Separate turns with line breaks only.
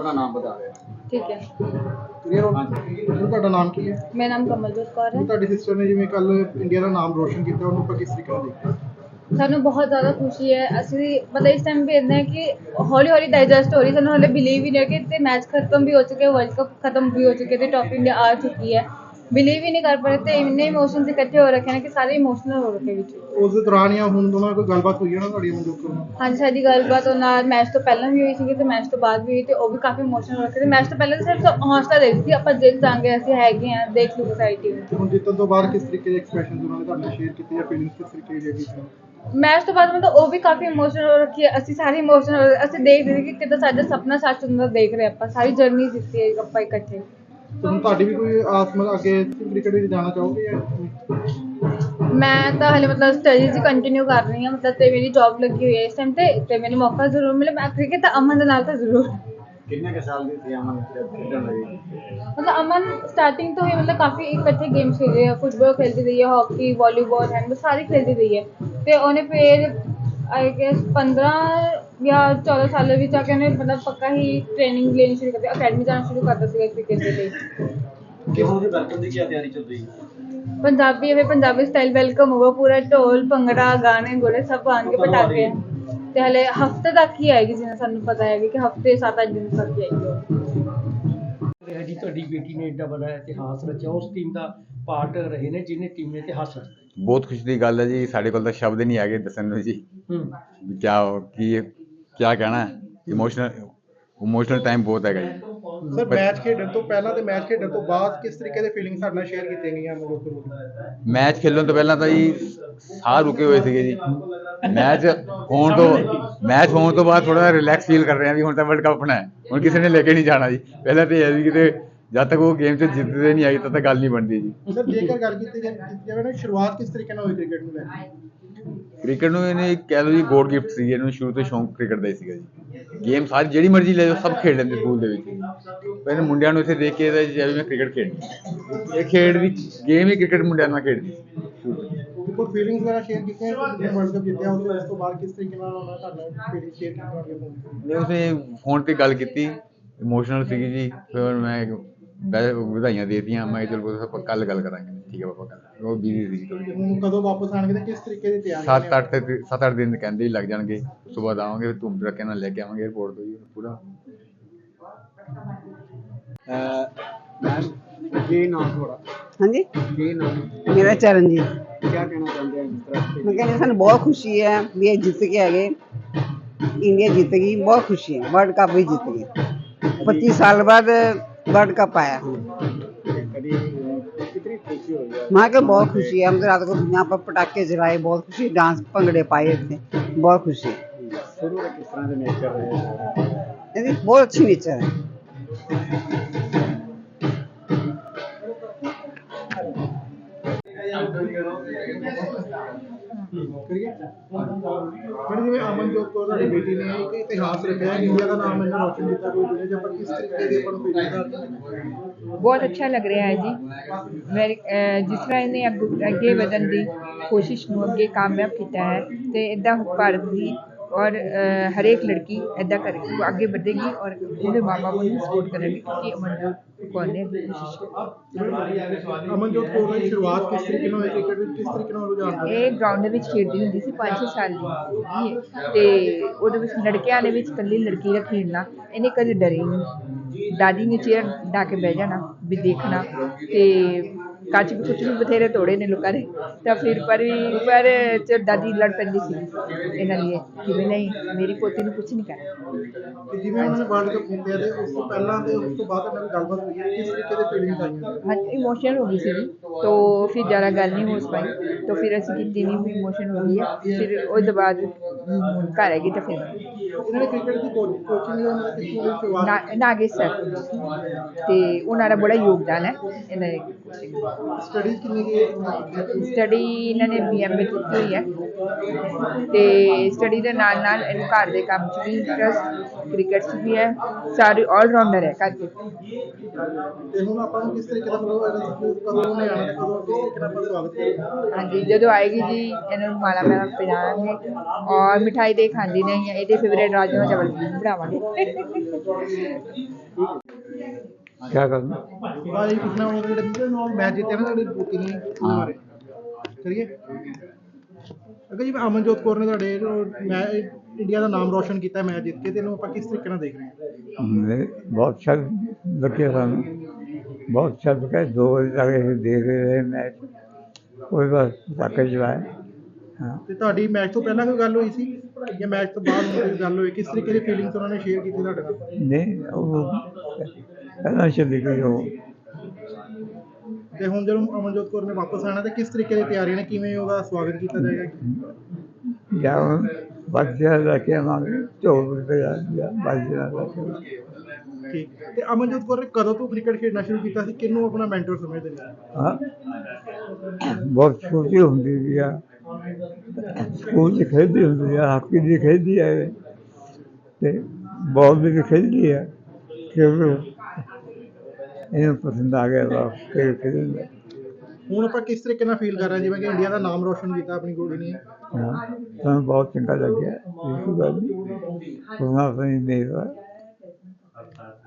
अपना नाम बता रहे हैं।
ठीक है।
ਕਲੀਅਰ ਹੋ ਤੁਹਾਡਾ ਨਾਮ ਕੀ ਹੈ?
मेरा नाम कमलजोत कौर है।
ਤੁਹਾਡੀ ਸਿਸਟਰ ਨੇ ਜਿਵੇਂ ਕੱਲ ਇੰਡੀਆ ਦਾ ਨਾਮ ਰੋਸ਼ਨ ਕੀਤਾ ਉਹਨੂੰ ਆਪਾਂ ਕਿਸ ਤਰੀਕੇ ਨਾਲ ਦੇਖਦੇ ਹਾਂ?
ਸਾਨੂੰ ਬਹੁਤ ਜ਼ਿਆਦਾ ਖੁਸ਼ੀ ਹੈ। ਅਸੀਂ ਮਤਲਬ ਇਸ ਟਾਈਮ ਵੇਖਦੇ ਹਾਂ ਕਿ ਹੌਲੀ ਹੌਲੀ ਡਾਈਜੈਸਟ ਹੋ ਰਹੀ, ਸਾਨੂੰ ਹਲੇ ਬਿਲੀਵ ਹੀ ਨਹੀਂ ਕਿ ਤੇ ਮੈਚ ਖਤਮ ਵੀ ਹੋ ਚੁੱਕੇ, ਵਰਲਡ ਕੱਪ ਖਤਮ ਵੀ ਹੋ ਚੁੱਕੇ ਤੇ ਟੌਪ ਇੰਡੀਆ ਆ ਚੁੱਕੀ ਹੈ। ਬਿਲੀਵ ਹੀ ਨਹੀਂ ਕਰ ਪਾ ਰਹੇ ਤੇ ਇੰਨੇ ਇਮੋਸ਼ਨਸ ਇਕੱਠੇ ਹੋ ਰੱਖੇ ਨੇ ਕਿ ਸਾਰੇ ਇਮੋਸ਼ਨਲ ਹੋ ਰੱਖੇ ਵਿੱਚ।
ਉਸ ਦੇ ਦੌਰਾਨ ਜਾਂ ਹੁਣ ਦੋਨਾਂ ਕੋਈ ਗੱਲਬਾਤ ਹੋਈ ਹੈ ਨਾ ਤੁਹਾਡੀ ਮਨਜੋਤ ਨਾਲ?
ਹਾਂਜੀ, ਸਾਡੀ ਗੱਲਬਾਤ ਉਹਨਾਂ ਨਾਲ ਮੈਚ ਤੋਂ ਪਹਿਲਾਂ ਵੀ ਹੋਈ ਸੀਗੀ ਤੇ ਮੈਚ ਤੋਂ ਬਾਅਦ ਵੀ ਹੋਈ ਤੇ ਉਹ ਵੀ ਕਾਫੀ ਇਮੋਸ਼ਨਲ ਹੋ ਰੱਖੇ ਤੇ ਮੈਚ ਤੋਂ ਪਹਿਲਾਂ ਤਾਂ ਸਿਰਫ ਹੌਸਲਾ ਦੇ ਰਹੀ ਸੀ ਆਪਾਂ ਜਿੱਤ ਜਾਵਾਂਗੇ, ਅਸੀਂ ਹੈਗੇ ਹਾਂ, ਦੇਖ ਲਓ ਸਾਡੀ ਟੀਮ।
ਹੁਣ ਜਿੱਤਣ ਤੋਂ ਬਾਅਦ ਕਿਸ ਤਰੀਕੇ ਦੇ ਐਕਸਪ੍ਰੈਸ਼ਨ ਉਹਨਾਂ ਨੇ ਤੁਹਾਡੇ ਨਾਲ ਸ਼ੇਅਰ ਕੀਤੇ ਜਾਂ ਫੀਲਿੰਗਸ ਕਿਸ ਤਰੀਕੇ ਦੀ ਹੈਗੀ?
ਮੈਚ ਤੋਂ ਬਾਅਦ ਮਤਲਬ ਉਹ ਵੀ ਕਾਫੀ ਇਮੋਸ਼ਨਲ ਹੋ ਰੱਖੀ ਹੈ, ਅਸੀਂ ਸਾਰੇ ਇਮੋਸ਼ਨਲ, ਅਸੀਂ ਦੇਖ ਰਹੇ ਕਿ ਕਿੱਦਾਂ ਸਾਡਾ ਸੁਪਨਾ ਸੱਚ ਹੁੰਦਾ ਦੇਖ ਰਹੇ ਆਪਾਂ, ਸਾਰੀ ਜਰਨੀ ਦਿੱਤੀ ਹੈ ਆਪਾਂ ਇਕੱਠੇ।
ਤੁਹਾਨੂੰ ਤੁਹਾਡੀ ਵੀ ਕੋਈ ਆਸ ਮਤਲਬ ਅੱਗੇ ਕ੍ਰਿਕਟ ਵਿੱਚ ਜਾਣਾ ਚਾਹੋਗੇ ਜਾਂ?
ਮੈਂ ਤਾਂ ਹਲੇ ਮਤਲਬ ਸਟੱਡੀਜ਼ ਕੰਟੀਨਿਊ ਕਰ ਰਹੀ ਹਾਂ ਮਤਲਬ ਤੇ ਮੇਰੀ ਜੌਬ ਲੱਗੀ ਹੋਈ ਹੈ ਇਸ ਟਾਈਮ ਤੇ ਮੈਨੂੰ ਮੌਕਾ ਜ਼ਰੂਰ ਮਿਲੇ ਮੈਂ ਕ੍ਰਿਕਟ ਤਾਂ ਅਮਨ ਦੇ ਨਾਲ ਤਾਂ ਜ਼ਰੂਰ।
कितने के साल की थी अमन जब खेलने लगी?
मतलब अमन स्टार्टिंग तो ही मतलब काफ़ी इकट्ठे गेम्स खेले हैं, फुटबॉल खेलती रही है, हॉकी, वॉलीबॉल, हैंडबॉल सारी खेलती रही है तो उन्हें फिर आई गेस 15 या 14 सालों में जाके उन्हें मतलब पक्का ही ट्रेनिंग लेनी शुरू कर दी, अकेडमी जाना शुरू करता था क्रिकेट के लिए।
गेहूं की वेलकम की क्या तैयारी चल रही है?
पंजाबी स्टाइल वेलकम होगा, पूरा ढोल भंगड़ा गाने गोले सब आएंगे पटाखे ਤੇ ਹਲੇ ਹਫਤੇ ਤੱਕ ਹੀ ਆਏਗੀ, ਜਿਵੇਂ ਸਾਨੂੰ ਪਤਾ ਹੈ ਕਿ ਹਫਤੇ 7-8 ਦਿਨ ਤੱਕ ਹੀ ਆਏਗੀ।
ਜੀ ਤੁਹਾਡੀ ਬੇਟੀ ਨੇ ਏਡਾ ਵੱਡਾ ਇਤਿਹਾਸ ਰਚਿਆ, ਉਸ ਟੀਮ ਦਾ ਪਾਰਟ ਰਹੇ ਨੇ ਜਿਹਨੇ ਟੀਮ ਨੇ ਇਤਿਹਾਸ ਰਚਿਆ।
ਬਹੁਤ ਖੁਸ਼ੀ ਦੀ ਗੱਲ ਹੈ ਜੀ, ਸਾਡੇ ਕੋਲ ਤਾਂ ਸ਼ਬਦ ਨਹੀਂ ਹੈਗੇ ਦੱਸਣ ਨੂੰ ਜੀ ਕਿਆ ਕਹਿਣਾ। ਇਮੋਸ਼ਨਲ ਟਾਈਮ ਬਹੁਤ ਹੈਗਾ ਜੀ।
ਸਰ ਮੈਚ ਖੇਡਣ ਤੋਂ ਪਹਿਲਾਂ ਤੇ ਮੈਚ ਖੇਡਣ ਤੋਂ ਬਾਅਦ ਕਿਸ ਤਰੀਕੇ ਦੇ ਫੀਲਿੰਗ ਸਾਡੇ ਨਾਲ ਸ਼ੇਅਰ ਕੀਤੀਆਂ ਗਈਆਂ ਮਨਜੋਤ ਕੋਲ?
ਮੈਚ ਖੇਲਣ ਤੋਂ ਪਹਿਲਾਂ ਤਾਂ ਜੀ ਸਾਹ ਰੁਕੇ ਹੋਏ ਸੀਗੇ ਜੀ। ਮੈਚ ਹੋਣ ਤੋਂ ਬਾਅਦ ਥੋੜਾ ਰਿਲੈਕਸ ਫੀਲ ਕਰ ਰਹੇ ਹਾਂ ਵੀ ਹੁਣ ਤਾਂ ਵਰਲਡ ਕੱਪ ਆਪਣਾ ਹੈ, ਹੁਣ ਕਿਸੇ ਨੇ ਲੈ ਕੇ ਨਹੀਂ ਜਾਣਾ ਜੀ। ਪਹਿਲਾਂ ਤਾਂ ਇਹ ਵੀ ਕਿਤੇ ਜਦ ਤੱਕ ਉਹ ਗੇਮ 'ਚ ਜਿੱਤਦੇ ਨਹੀਂ ਆਈ ਤਦ ਤੱਕ ਗੱਲ ਨਹੀਂ ਬਣਦੀ ਜੀ।
ਸਰ ਜੇਕਰ ਗੱਲ ਕੀਤੀ ਜਾਵੇ ਨਾ ਸ਼ੁਰੂਆਤ ਕਿਸ ਤਰੀਕੇ ਨਾਲ ਹੋਈ ਕ੍ਰਿਕਟ ਨੂੰ ਲੈ ਕੇ?
ਕ੍ਰਿਕਟ ਨੂੰ ਇਹਨੇ ਕਹਿ ਲਓ ਜੀ ਗੋਡ ਗਿਫਟ ਸੀ, ਇਹਨੂੰ ਸ਼ੁਰੂ ਤੋਂ ਸ਼ੌਂਕ ਕ੍ਰਿਕਟ ਦਾ ਹੀ ਸੀਗਾ ਜੀ। ਗੇਮ ਸਾਰੀ ਜਿਹੜੀ ਮਰਜ਼ੀ ਲੈ ਜਾਓ ਸਭ ਖੇਡ ਲੈਂਦੇ ਸਕੂਲ ਦੇ ਵਿੱਚ। ਪਹਿਲੇ ਮੁੰਡਿਆਂ ਨੂੰ ਇੱਥੇ ਦੇਖ ਕੇ ਜਿਵੇਂ ਮੈਂ ਕ੍ਰਿਕਟ ਖੇਡਣੀ, ਇਹ ਖੇਡ ਦੀ ਗੇਮ ਹੀ ਕ੍ਰਿਕਟ ਮੁੰਡਿਆਂ ਨਾਲ ਖੇਡਦੀ।
ਕੋਈ ਫੀਲਿੰਗਸ ਵਗੈਰਾ ਸ਼ੇਅਰ ਕੀਤੀਆਂ ਵਰਲਡ ਕੱਪ ਜਿੱਤਿਆ ਉਸ ਤੋਂ ਬਾਅਦ ਕਿਸ ਤਰੀਕੇ ਨਾਲ ਉਹਨਾਂ ਤੁਹਾਡਾ ਫੀਲਿੰਗ ਸ਼ੇਅਰ ਕੀਤੀ?
ਉਸਨੇ ਫੋਨ ਤੇ ਗੱਲ ਕੀਤੀ, ਇਮੋਸ਼ਨਲ ਸੀਗੀ ਜੀ। ਫਿਰ ਮੈਂ ਵਧਾਈਆਂ ਦੇ ਦਿੱਤੀਆਂ, ਮੈਂ ਚਲੋ ਆਪਾਂ ਕੱਲ ਗੱਲ ਕਰਾਂਗੇ। ਠੀਕ ਹੈ ਪਾਪਾ, ਕੱਲ ਉਹ ਬਿਜ਼ੀ ਸੀ ਥੋੜੀ।
ਹੁਣ ਕਦੋਂ ਵਾਪਸ ਆਣਗੇ ਤੇ ਕਿਸ ਤਰੀਕੇ ਦੀ ਤਿਆਰੀ?
7-8 ਦਿਨ ਕਹਿੰਦੇ ਹੀ ਲੱਗ ਜਾਣਗੇ। ਉਸ ਤੋਂ ਬਾਅਦ ਆਵਾਂਗੇ, ਧੂਮ ਧੜੱਕੇ ਨਾਲ ਲੈ ਕੇ ਆਵਾਂਗੇ 에어ਪੋਰਟ ਤੋਂ ਜੀ ਪੂਰਾ।
मैम ये नाम थोड़ा
हाँ जी,
ये नाम
मेरा चरणजीत।
क्या कहना चाहते हैं इस तरह से?
मैं कहनी सानू बहुत खुशी है भी ये जित के आ गए, इंडिया जीत गई, बहुत खुशी है। वर्ल्ड कप भी जीत गई, 25 साल बाद वर्ल्ड कप आया।
कभी कितनी खुशी हो गई?
वहाँ के बहुत खुशी है, हम तो रात को यहाँ पर पटाखे जलाए, बहुत खुशी, डांस भंगड़े पाए थे, बहुत खुशी है।
शुरू में किस तरह से नेचर रहे?
बहुत अच्छी नेचर है।
ਮੈਡਮ ਜਿਵੇਂ ਅਮਨਜੋਤ ਕੌਰ ਤੁਹਾਡੀ ਬੇਟੀ ਨੇ ਇੱਕ ਇਤਿਹਾਸ ਰਚਿਆ, ਇੰਡੀਆ ਦਾ ਨਾਮ ਇਹਨਾਂ ਰੋਸ਼ਨ ਕੀਤਾ, ਕੋਈ ਦੁਨੀਆ 'ਚ ਆਪਾਂ ਕਿਸ ਤਰੀਕੇ ਦੀ ਆਪਾਂ ਨੂੰ ਫੀਲਿੰਗ?
ਬਹੁਤ ਅੱਛਾ ਲੱਗ ਰਿਹਾ ਹੈ ਜੀ। ਜਿਸ ਤਰ੍ਹਾਂ ਇਹਨੇ ਅੱਗੇ ਵਧਣ ਦੀ ਕੋਸ਼ਿਸ਼ ਨੂੰ ਅੱਗੇ ਕਾਮਯਾਬ ਕੀਤਾ ਹੈ ਤੇ ਇੱਦਾਂ ਭਾਰਤ ਦੀ ਔਰ ਹਰੇਕ ਲੜਕੀ ਇੱਦਾਂ ਕਰੇਗੀ, ਅੱਗੇ ਵਧੇਗੀ ਔਰ ਉਹਦੇ ਮਾਂ ਬਾਪ ਨੂੰ ਸਪੋਰਟ ਕਰੇਗੀ ਕਿਉਂਕਿ ਅਮਨਜੋਤ ਕੌਰ ਨੇ ਅੱਗੇ ਕੋਸ਼ਿਸ਼ ਕੀਤੀ।
ਅਮਨਜੋਤ ਕੌਰ ਦੀ ਸ਼ੁਰੂਆਤ ਕਿਸ ਤਰੀਕੇ ਨਾਲ ਹੋਈ ਕ੍ਰਿਕਟ ਵਿੱਚ, ਕਿਸ ਤਰੀਕੇ ਨਾਲ ਰੁਝਾਨ ਹੋਇਆ?
ਇਹ ਗਰਾਊਂਡ ਦੇ ਵਿੱਚ ਖੇਡਦੀ ਹੁੰਦੀ ਸੀ 5-6 ਸਾਲ ਦੀ ਤੇ ਉਹਦੇ ਵਿੱਚ ਲੜਕਿਆਂ ਦੇ ਵਿੱਚ ਇਕੱਲੀ ਲੜਕੀ ਦਾ ਖੇਡਣਾ, ਇਹਨੇ ਕਦੇ ਡਰੇ ਨਹੀਂ। ਦਾਦੀ ਨੇ ਚੇਅਰ ਡਾ ਕੇ ਬਹਿ ਜਾਣਾ ਵੀ ਦੇਖਣਾ ਤੇ ਕੱਚ ਵੀ ਕੁਛ ਵੀ ਬਥੇਰੇ ਤੋੜੇ ਨੇ ਲੋਕਾਂ ਨੇ ਤਾਂ ਫਿਰ ਪਰ ਚ ਦਾਦੀ ਲੜ ਪੈਂਦੀ ਸੀ ਇਹਨਾਂ ਲਈ ਕਿ ਵੀ ਨਹੀਂ ਮੇਰੀ ਪੋਤੀ ਨੂੰ ਕੁਛ ਨਹੀਂ ਕਰਨਾ।
ਜਿਵੇਂ ਉਹਨਾਂ ਨੇ ਵਰਲਡ ਕੱਪ ਜਿੱਤਿਆ ਤੇ ਉਸ ਤੋਂ ਪਹਿਲਾਂ ਤੇ ਉਸ ਤੋਂ ਬਾਅਦ ਇਹਨਾਂ ਦੀ ਗੱਲਬਾਤ ਹੋਈ ਹੈ, ਕਿਸ ਤਰੀਕੇ ਦੇ ਫੀਲਿੰਗਸ ਆਈਆਂ?
हाँ इमोशनल हो गई थी तो फिर ज़्यादा गल नहीं हो पाई तो फिर असी की भी इमोशन हो गई है। फिर उसके बाद घर हैगी तो फिर
ਇਹਨਾਂ ਨੇ ਕ੍ਰਿਕਟ ਦੀ ਕੋਚਿੰਗ ਉਹਨਾਂ ਨੇ ਕਿੱਥੋਂ ਲਈ ਸ਼ੁਰੂਆਤ?
नागेश सर तो उन्होंने बड़ा योगदान है इन्होंने
ਸਟੱਡੀ ਕਿੰਨੀ ਕੀ
ਸਟੱਡੀ ਇਹਨਾਂ ਨੇ BMA ਕੀਤੀ ਹੋਈ ਹੈ ਤੇ ਸਟੱਡੀ ਦੇ ਨਾਲ ਨਾਲ ਇਹਨੂੰ ਘਰ ਦੇ ਕੰਮ 'ਚ ਵੀ ਇੰਟਰਸਟ, ਕ੍ਰਿਕਟ 'ਚ ਵੀ ਹੈ, ਸਾਰੀ ਆਲਰਾਊਂਡਰ ਹੈ ਘਰ 'ਚ।
ਤੇ ਹੁਣ ਆਪਾਂ ਨੂੰ ਕਿਸ ਤਰੀਕੇ ਦਾ ਮਤਲਬ ਇਹਦਾ ਕਦੋਂ ਉਹਨੇ ਆਉਣਾ ਤੇ ਕਦੋਂ ਕਿਸ ਤਰੀਕੇ ਨਾਲ ਆਪਾਂ ਸਵਾਗਤ ਕਰਾਂਗੇ?
ਹਾਂਜੀ, ਜਦੋਂ ਆਏਗੀ ਜੀ ਇਹਨੂੰ ਮਾਲਾ ਮਾਲਾ ਪਿਲਾਵਾਂਗੇ ਔਰ ਮਿਠਾਈ ਦੇ ਖਾਂਦੀ ਨਹੀਂ ਹੈ, ਇਹਦੇ ਫੇਵਰੇਟ ਰਾਜਮਾ ਚਾਵਲ ਬਣਾਵਾਂਗੇ।
क्या करना
ਭਾਈ ਪੁੱਛਣਾ ਉਹ ਜਿਹੜੇ ਮੈਚ ਜਿੱਤੇ ਨਾ ਤੁਹਾਡੀ ਬੂਟੀ ਨੇ ਉਹਦੇ ਬਾਰੇ ਕਰੀਏ। ਅਗਰ ਜੀ ਅਮਨਜੋਤ ਕੌਰ ਨੇ ਤੁਹਾਡੇ ਮੈਂ ਇੰਡੀਆ ਦਾ ਨਾਮ ਰੋਸ਼ਨ ਕੀਤਾ ਮੈਚ ਜਿੱਤ ਕੇ, ਤੇ ਇਹਨੂੰ ਆਪਾਂ ਕਿਸ ਤਰੀਕੇ ਨਾਲ ਦੇਖ ਰਹੇ ਹਾਂ?
बहुत अच्छा लगे सानू, बहुत अच्छा लगा। 2 बजे तक ਅਸੀਂ देख रहे मैच, कोई बस पटाखे चलाए। हाँ
ਤੇ ਤੁਹਾਡੀ ਮੈਚ ਤੋਂ ਪਹਿਲਾਂ ਕੋਈ ਗੱਲ ਹੋਈ ਸੀ ਜਾਂ ਮੈਚ ਤੋਂ ਬਾਅਦ ਹੁਣ ਕੋਈ ਗੱਲ ਹੋਈ? ਕਿਸ ਤਰੀਕੇ ਦੀ ਫੀਲਿੰਗਸ ਉਹਨਾਂ ਨੇ ਸ਼ੇਅਰ ਕੀਤੀ ਤੁਹਾਡੇ ਨਾਲ?
नहीं वो पहला चली गई वो।
ਤੇ ਹੁਣ ਜਦੋਂ ਅਮਨਜੋਤ ਕੌਰ ਨੇ ਵਾਪਸ ਆਉਣਾ ਤੇ ਕਿਸ ਤਰੀਕੇ ਦੀ ਤਿਆਰੀਆਂ ਨੇ, ਕਿਵੇਂ ਉਹਦਾ ਸਵਾਗਤ ਕੀਤਾ ਜਾਏਗਾ?
या बच्चे लेके आवांगे 24 रुपये बच्चे लेके।
ਠੀਕ। ਤੇ ਅਮਨਜੋਤ ਕੌਰ ਨੇ ਕਦੋਂ ਤੋਂ ਕ੍ਰਿਕਟ ਖੇਡਣਾ ਸ਼ੁਰੂ ਕੀਤਾ ਸੀ? ਕਿਹਨੂੰ ਆਪਣਾ ਮੈਂਟਰ ਸਮਝਦੇ ਨੇ?
हाँ बहुत छोटी होंगी भी आ, स्कूल च खेलती होंगी है, हाकी भी खेलती है ते बॉल भी खेलती है क्योंकि इन्हें पसंद आ गया था खेलने।
ਹੁਣ ਆਪਾਂ ਕਿਸ ਤਰੀਕੇ ਨਾਲ ਫੀਲ ਕਰ ਰਹੇ ਹਾਂ ਜਿਵੇਂ ਕਿ ਇੰਡੀਆ ਦਾ ਨਾਮ ਰੋਸ਼ਨ ਕੀਤਾ ਆਪਣੀ ਕੁੜੀ ਨੇ?
हाँ हमें बहुत चंगा लग गया, बिल्कुल गल नहीं, अपनी मेहरबानी।